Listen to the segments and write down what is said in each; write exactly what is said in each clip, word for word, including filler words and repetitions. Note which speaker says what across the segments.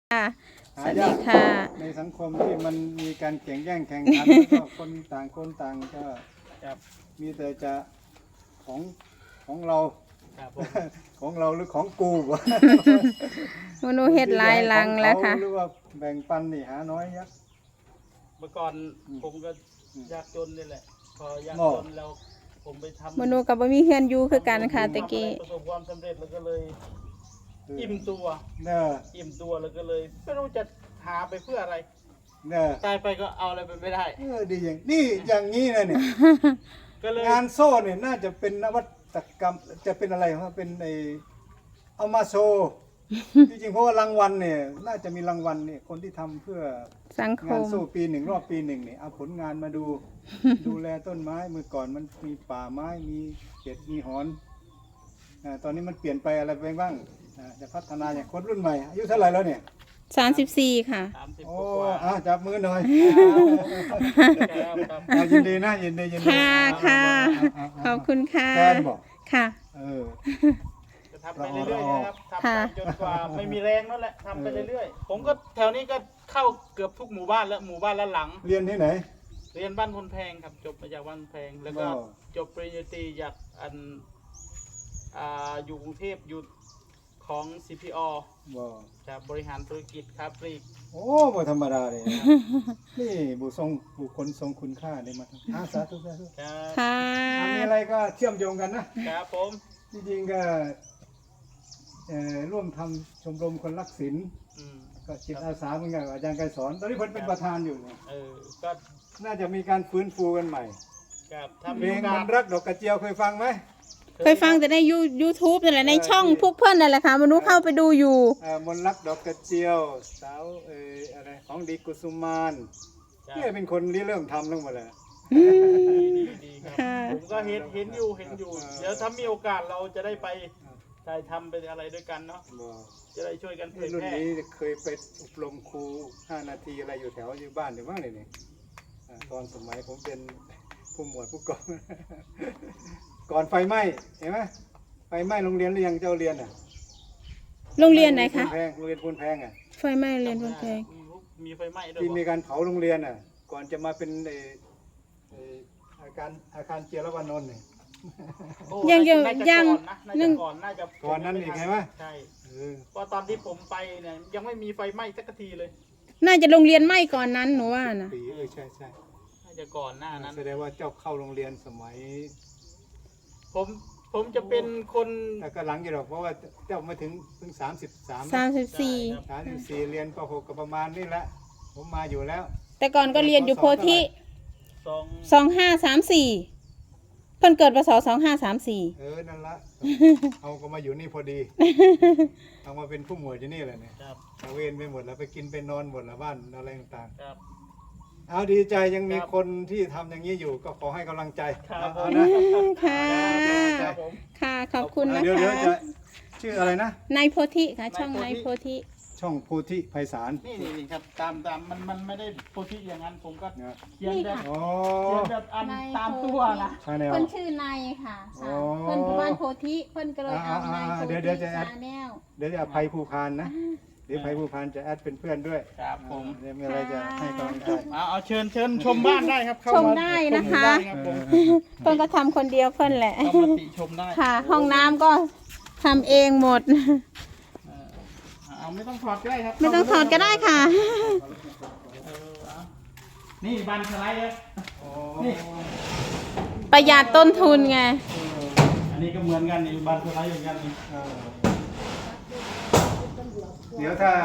Speaker 1: ค่ะสวัสดีค่ะ
Speaker 2: ในสังคมที่มันมีการแข่งแย่งแข่งขันแล้วก็คนต่างคนต่างก็มีแต่จะของของเราของเราหรือของกูวะ
Speaker 1: มนูเฮ็ดลายลังแล้วค่ะ
Speaker 2: หรือว่าแบ่งปันนี่หาน้อยยัก
Speaker 3: เมื่อก่อนผมก็ยากจนนี่แหละพอยากจนแล้วผมไปทำ
Speaker 1: มนูกับบ่มีเฮือนอยู่คือกันค่ะตะกี้
Speaker 3: ประสบความสำเร็จแล้วก็เลยอิ่มตัว
Speaker 2: เนอะ
Speaker 3: อิ่มตัวแล้วก็เลยไม่รู้จะหาไปเพื่ออะไร
Speaker 2: เนอะ
Speaker 3: ตายไปก็เอาอะไรไปไม่ได้
Speaker 2: เออดีอย่างนี่อย่างนี้นะเนี่ยงานโซ่เนี่ยน่าจะเป็นนวัตกรรมจะเป็นอะไรครับเป็นในเอามาโชว์จริงๆเพราะว่ารางวัลเนี่ยน่าจะมีรางวัลเนี่ยคนที่ทำเพื่อ
Speaker 1: สังคม
Speaker 2: งานโซ่ปีหนึ่งรอบปีหนึ่งเนี่ยเอาผลงานมาดูดูแลต้นไม้เมื่อก่อนมันมีป่าไม้มีเห็ดมีหอนอ่าตอนนี้มันเปลี่ยนไปอะไรไปบ้างจะพัฒนาอย่างคนรุ่นใหม่อายุเท่าไหร่แล้วเนี่ย
Speaker 1: สามสิบสี่ค่ะ
Speaker 2: โอ้อ่ะจับมือหน่อยยินดีนะยินดียินดี
Speaker 1: ค่ะค่ะขอบคุณค่ะ
Speaker 2: แฟนบอก
Speaker 1: ค่ะ
Speaker 2: เออ
Speaker 3: จะทำไปเรื่อยๆนะครับทำไปจนกว่าไม่มีแรงนั่นแหละทำไปเรื่อยๆผมก็แถวนี้ก็เข้าเกือบทุกหมู่บ้านแล้วหมู่บ้านละหลัง
Speaker 2: เรียนที่ไหน
Speaker 3: เรียนบ้านพนแพงครับจบมาจากบ้านแพงแล้วก็จบปริญญาตรีจากอันอ่าอยู่กรุงเทพอยู่ของ ซี พี อ จะบริหารธุรกิจค้าปลีก
Speaker 2: โอ้บ่ธรรมดาเลยนี่บุทรงบุคคลทรงคุณค่าได้มาทำอาสาธุสาธุ
Speaker 1: ค่ะ
Speaker 2: มีอะไรก็เชื่อมโยงกันนะครับ
Speaker 3: ผม
Speaker 2: จริงๆก็ร่วมทำชมรมคนรักศิลป์ก็จิตอาสาเหมือนกันอาจารย์ไกรสอนตอนนี้เพิ่นเป็นประธานอยู่
Speaker 3: เออก็
Speaker 2: น่าจะมีการฟื้นฟูกันใหม่เพลงมันรักดอกกระเจียวเคยฟังไหม
Speaker 1: เคยฟังแต่ในยูยูทูบนั่นแหละในช่องพวกเพื่อนนั่นแหละค่ะมนุษย์เข้าไปดูอยู่
Speaker 2: มนรักดอกกระเจียวสาวเอออะไรของดีกุสุมานนี่เป็นคนที่เริ่มทำทั้งหมดเลย
Speaker 3: ดีดีครับผมก็เห็นเห็นอยู่เห็นอยู่เดี๋ยวถ้ามีโอกาสเราจะได้ไปถ่ายทำไปอะไรด้วยกันเนาะจะได้ช่วยกันเผยแพร่
Speaker 2: รุ่นนี้เคยไปอบรมครูห้านาทีอะไรอยู่แถวอยู่บ้านอยู่บ้างเลยนี่ตอนสมัยผมเป็นผู้หมวดผู้กองก่อนไฟไหม้เห็นไหมไฟไหม้โรงเรียนหรือยังเจ้าเรียนอ่ะ
Speaker 1: โรงเรียนไหนคะ
Speaker 2: โรงเรียนพูนแพงอ่ะ
Speaker 1: ไฟไหม้โรงเรียนพูนแพง
Speaker 3: มีไฟไหม้ด้วย
Speaker 2: ที่มีการเผาโรงเรียนอ่ะก่อนจะมาเป็นอาการอาคารเจียรวานนท์เนี่ย
Speaker 1: ยังยังยัง
Speaker 3: นั่งก่อนน่าจะ
Speaker 2: ก่อนนั้นอีกไงวะ
Speaker 3: ใช่เพราะตอนที่ผมไปเนี่ยยังไม่มีไฟไหม้สักทีเลย
Speaker 1: น่าจะโรงเรียนไหม้ก่อนนั้นหนูว่านะ
Speaker 2: ปีเออใช่ใช่
Speaker 3: น่าจะก่อนหน้านั้น
Speaker 2: แสดงว่าเจ้าเข้าโรงเรียนสมัย
Speaker 3: ผมผมจะเป็นคน
Speaker 2: แต่ก็หลังอยู่หรอกเพราะว่าเจ้ามาถึงเพิ่งสามสิบสาม
Speaker 1: สามสิบสี่
Speaker 2: สามสิบสี่เรียนปหกก็ประมาณนี่แหละผมมาอยู่แล้ว
Speaker 1: แต่ก่อนก็เรียนอยู่โพธิสองห้าสามสี่เพิ่นเกิดพศสองห้าสามสี่
Speaker 2: เออนั่นละเอาก็มาอยู่นี่พอดีเอามาเป็นผู้หมวดอยู่นี่แหละเนี่ยเอาเวรไปหมดแล้วไปกินไปนอนหมดแล้วบ้านอะไรต่างๆเอาดีใจยังมีคนที่ทำอย่างนี้อยู่ก็ขอให้กำลังใจ
Speaker 3: เอา
Speaker 1: นะค่ะค่ะขอบคุณนะคะ
Speaker 2: เดี๋ยวเดี๋ยวจะชื่ออะไรนะ
Speaker 1: นายโพธิค่ะช่องนายโพธิ
Speaker 2: ช่องโพธิไพศาล
Speaker 3: นี่นี่ครับตามตามมันมันไม่ได้โพธิอย่างนั้นผมก็เขียนแบบเขียนแบบอันตามตัวนะ
Speaker 1: เพิ่นชื่อนายค่ะเพิ่นบ้านโพธิเพิ่นก็เลยเอานายโพธิ
Speaker 2: เดี๋ยวจะแอดเดี๋ยวจะภัยภูพานนะเดี๋ยวภัยภูพานจะแอดเป็นเพื่อนด้วย
Speaker 3: ครับผม
Speaker 2: เดี๋ยวมีอะไรจะให้กำลังใจ
Speaker 3: เอาเอาเชิญเชิญชมบ้านได้ครับ
Speaker 1: ชมได้นะคะเพิ่นก็ทำคนเดียวเพิ่นแหละ
Speaker 3: เข้ามาติชมได้
Speaker 1: ค่ะห้องน้ำก็ทำเองหมด
Speaker 3: เอาไม่ต้องถอดก็ได้ครับ
Speaker 1: ไม่ต้องถอดก็ได้ค่ะ
Speaker 3: นี่บันสไลด์เลย
Speaker 1: นี่ประหยัดต้นทุนไง
Speaker 3: อันนี้ก็เหมือนกันนี่บันสไลด์เหมือนกันนี่
Speaker 2: เดี๋ยวถ้า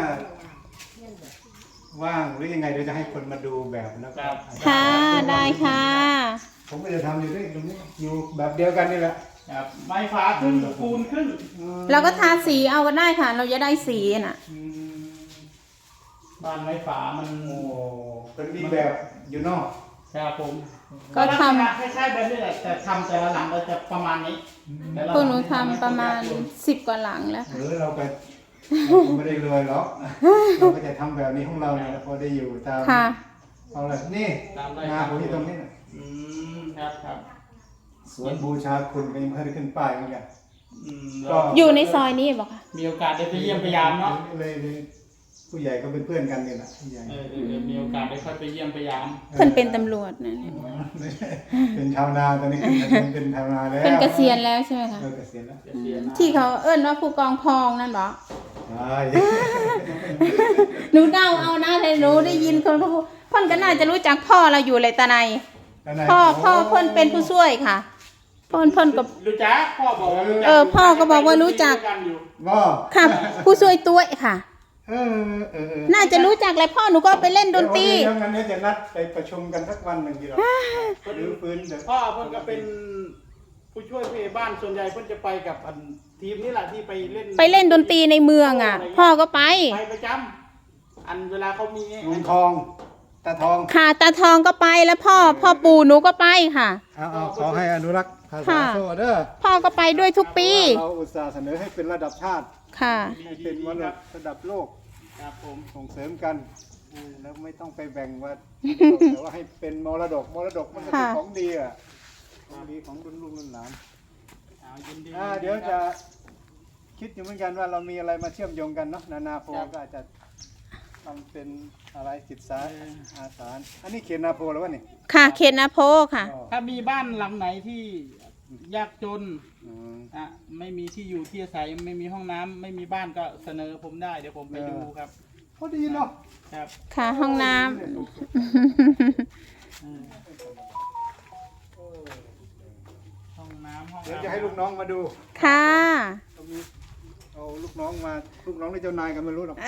Speaker 2: ว่างหรือยังไงเดี๋ยวจะให้คนมาดูแบบแล้วก็
Speaker 1: ค่ะได้ค่ะ
Speaker 2: ผมก็จะทำอยู่ด้วยตรงนี้อยู่แบบเดียวกันนี่แหละ
Speaker 3: ครับไม้ฟ้าขึ้นปูนขึ้น
Speaker 1: เราก็ทาสีเอาก็ได้ค่ะเราจะได้สีน่ะ
Speaker 3: บ้านไม้ฝามัน
Speaker 2: โอ้เป็นมีแบบอยู่นอก
Speaker 3: ครับผม
Speaker 1: ก็ท
Speaker 3: ำคล้ายๆแบบนี้แหละแต่ทำแต่ละหลังเราจะประมาณนี้
Speaker 1: พวกหนูทำประมาณสิบกว่าหลังแล้ว
Speaker 2: หรือเราไปไม่ได้รวยหรอกเราก็จะทำแบบนี้ของเราเนี่ยพอได้อยู่ตามเอาเลยนี่นาผมอยู่ตรงนี้นะ
Speaker 3: อืมครับครับ
Speaker 2: สวนบูชาคุณเป็นเพื่อนขึ้นป้ายเหมือนกัน
Speaker 1: ก็อยู่ในซอยนี้บอกค่ะ
Speaker 3: มีโอกาสได้ไปเยี่ยมพยายามเนาะ
Speaker 2: เลยผู้ใหญ่ก็เป็นเพื่อนกันนี่แหละผู้ใหญ่
Speaker 3: เออเออเออมีโอกาสได้ค่อยไปเยี่ยมไปยาม
Speaker 1: เพิ่นเป็นตำรวจนะ
Speaker 2: เป็นชาวนาตอนนี้เป็นชาวนาแล้ว
Speaker 1: เป็นเกษียณแล้วใช่ไหมคะ
Speaker 2: เออเกษียณแล้ว
Speaker 3: เกษียณนะ
Speaker 1: ที่เขาเอิ้นว่าผู้กองพองนั่นเหรอ
Speaker 2: ใช่
Speaker 1: หนูเดาเอานะแต่หนูได้ยินคนเขาพูดเพิ่นก็น่าจะรู้จักพ่อเราอยู่เลยตาในพ่อพ่อเพิ่นเป็นผู้ช่วยค่ะเพิ่นเพิ่นกับ
Speaker 3: รู้จักพ่อบอกว่ารู้จัก
Speaker 1: เออพ่อก็บอกว่ารู้จัก
Speaker 3: กันอยู่
Speaker 2: ว่า
Speaker 1: ค่ะผู้ช่วยตัวค่ะ
Speaker 2: เออเออเออ
Speaker 1: น่าจะรู้จักแหละพ่อหนูก็ไปเล่นดนตรี
Speaker 2: เดี๋ยวงั้นเนี่ยจะนัดไปประชุมกันสักวันหนึ่งทีเดียวหรือฟื้นเดี๋ยว
Speaker 3: พ่อเพิ่นก็เป็นผู้ช่วยผู้ใหญ่บ้านส่วนใหญ่เพิ่นจะไปกับอันทีมนี่แหละที่ไปเล่น
Speaker 1: ไปเล่นดนตรีในเมืองอ่ะ พ่อก็ไป
Speaker 3: ไปประจำอันเวลาเขามี
Speaker 2: ลุงทองตาทอง
Speaker 1: ค่ะตาทองก็ไปแล้วพ่อพ่อปู่หนูก็ไปค่ะ
Speaker 2: เอาเอาขอให้อนุรักษ์ภาษา
Speaker 1: ค่ะ
Speaker 2: โซ่เด้อ
Speaker 1: พ่อก็ไปด้วยทุกปี
Speaker 2: เราอุตส่าห์เสนอให้เป็นระดับชาติ
Speaker 1: ค่ะ
Speaker 2: ให้เป็นมรดกระดับโลก
Speaker 3: ครับผม
Speaker 2: ส่งเสริมกันแล้วไม่ต้องไปแบ่งว่า แต่ว่าให้เป็นมรดกมรดกมันก็เป็น
Speaker 1: ค่ะ
Speaker 2: ของดีอ่ะของดีของรุ่นลูกรุ่นหลาน
Speaker 3: เอายินดี
Speaker 2: อ่าเดี๋ยวจะคิดอยู่เหมือนกันว่าเรามีอะไรมาเชื่อมโยงกันเนาะนานาโพก็อาจจะทำเป็นอะไรจิตสาอาสาอันนี้เขียนนาโพแล้ววะนี่
Speaker 1: ค่ะเขตนาโพค่ะ
Speaker 2: อ๋อ
Speaker 3: ถ้ามีบ้านหลังไหนที่ยากจน
Speaker 2: อืม
Speaker 3: อ่ะไม่มีที่อยู่ที่อาศัยไม่มีห้องน้ำไม่มีบ้านก็เสนอผมได้เดี๋ยวผมไปดูครับ
Speaker 2: พอดีเนาะ
Speaker 3: ครับ
Speaker 1: ค่ะห้องน้
Speaker 3: อืมห้องน้ำห้อง
Speaker 2: เดี๋ยว
Speaker 3: อาบ
Speaker 2: จะให้ลูกน้องมาดู
Speaker 1: ำค่ะ
Speaker 2: เอามีเอาลูกน้องมาลูกน้องหรือเจ้านายกันไม่รู้หรอก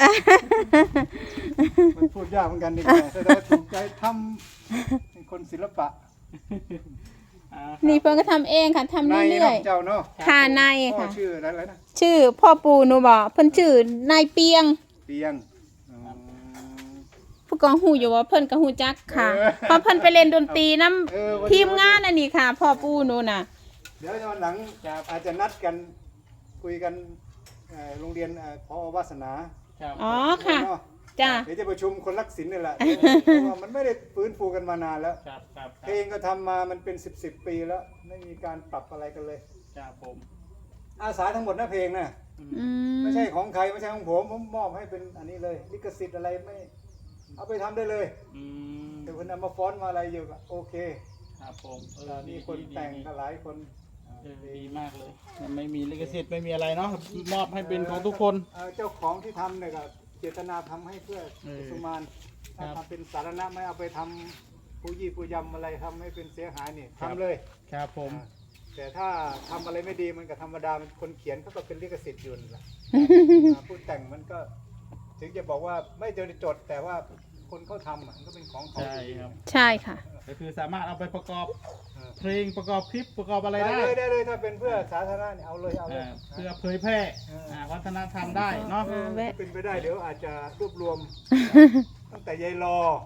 Speaker 2: มันพูดยากเหมือนกันดีกว่าแต่เราถูกใจทำเป็นคนศิลปะ
Speaker 3: อ่า
Speaker 1: นี่เพิ่นก็ทำเองค่ะทำ
Speaker 2: นาย
Speaker 1: เรื่
Speaker 2: เนาะ
Speaker 1: อย
Speaker 2: เจ้าเนาะ
Speaker 1: ๆค่ะนาย
Speaker 2: พ่อ
Speaker 1: ค่ะ
Speaker 2: ชื่ออะไรนะ
Speaker 1: ชื่อพ่อปู่หนูบอกเพิ่นชื่อนายเปียง
Speaker 2: เปียงอ๋อ
Speaker 1: ผู้กองหูอยู่ว่าเพิ่นก็หูจักค่ะ
Speaker 2: เออ
Speaker 1: เพราะเพิ่นไปเล่นดนตรีน้
Speaker 2: เออวันนี้
Speaker 1: ำทีมงานอันนี้ค่ะ พ่อปู่หนูน่ะ
Speaker 2: เดี๋ยววันหลังอาจจะนัดกันคุยกันเอ่อโรงเรียนเอ่อพอวาสนา
Speaker 3: ครับ
Speaker 1: อ๋อค่ะ
Speaker 2: เนาะ
Speaker 1: จ้า
Speaker 2: เดี๋ยวจะประชุมคนรักศิลป์นี่แหละเพราะว่ามันไม่ได้ฟื้นฟูกันมานานแล้ว
Speaker 3: ครับครับค
Speaker 2: เพลงก็ทำมามันเป็นสิบสิบปีแล้ว ไม่มีการปรับอะไรกันเลย
Speaker 3: รับผม
Speaker 2: อาสาทั้งหมดนะเพลงนะ
Speaker 1: อืม
Speaker 2: ไม่ใช่ของใครไม่ใช่ของผมผมมอบให้เป็นอันนี้เลยลิขสิทธิ์อะไรไม่เอาไปทำได้เลย
Speaker 3: อืม
Speaker 2: แต่คุณเอามาฟ้อนต์มาอะไรอยู่ก็โอเค
Speaker 3: ครับผมเออ
Speaker 2: มี
Speaker 3: ดี
Speaker 2: คน
Speaker 3: ดี
Speaker 2: แต่ง
Speaker 3: ดี
Speaker 2: ก็หลายคน
Speaker 3: เออดีมากเลยมันไม่มีลิขสิทธิ์ไม่มีอะไรเนาะมอบให้เป็นของทุกคน
Speaker 2: เอ่อเจ้าของที่ทำเนี่ยก็เจตนาทำให้เพื่อ
Speaker 3: เออ
Speaker 2: สุมานถ้า
Speaker 3: ครับ
Speaker 2: ทำเป็นสาธารณะไม่เอาไปทำผู้ยี่ผู้ยำอะไรทำให้เป็นเสียหายนี่
Speaker 3: ครับ
Speaker 2: ทำเลย
Speaker 3: ครับผม
Speaker 2: อ่าแต่ถ้าทำอะไรไม่ดีมันก็ธรรมดามันคนเขียนเขาก็เป็นลิขสิทธิ์อยู่นั่นแหละ อ่าผู้แต่งมันก็ถึงจะบอกว่าไม่เจอจด แต่ว่าคนเขาทำอ่ะมันก็เป็นของเขา
Speaker 3: ใช่ครับ
Speaker 1: ใช่ค่ะ
Speaker 3: ก็คือสามารถเอาไปประกอบ
Speaker 2: เออ
Speaker 3: เพลงประกอบคลิปประกอบอะไร
Speaker 2: ได้
Speaker 3: ได้
Speaker 2: เลยได้เลยถ้าเป็นเพื่อสาธารณะเนี่ยเอาเลยเอาเลย
Speaker 3: อ่าเพื่อเผยแพร่อ่าวัฒนธรรมได้เนาะ
Speaker 1: อ่าแวะ
Speaker 2: ถ้าเป็นไปได้เดี๋ยวอาจจะรวบรวม ตั้งแต่ยายรอ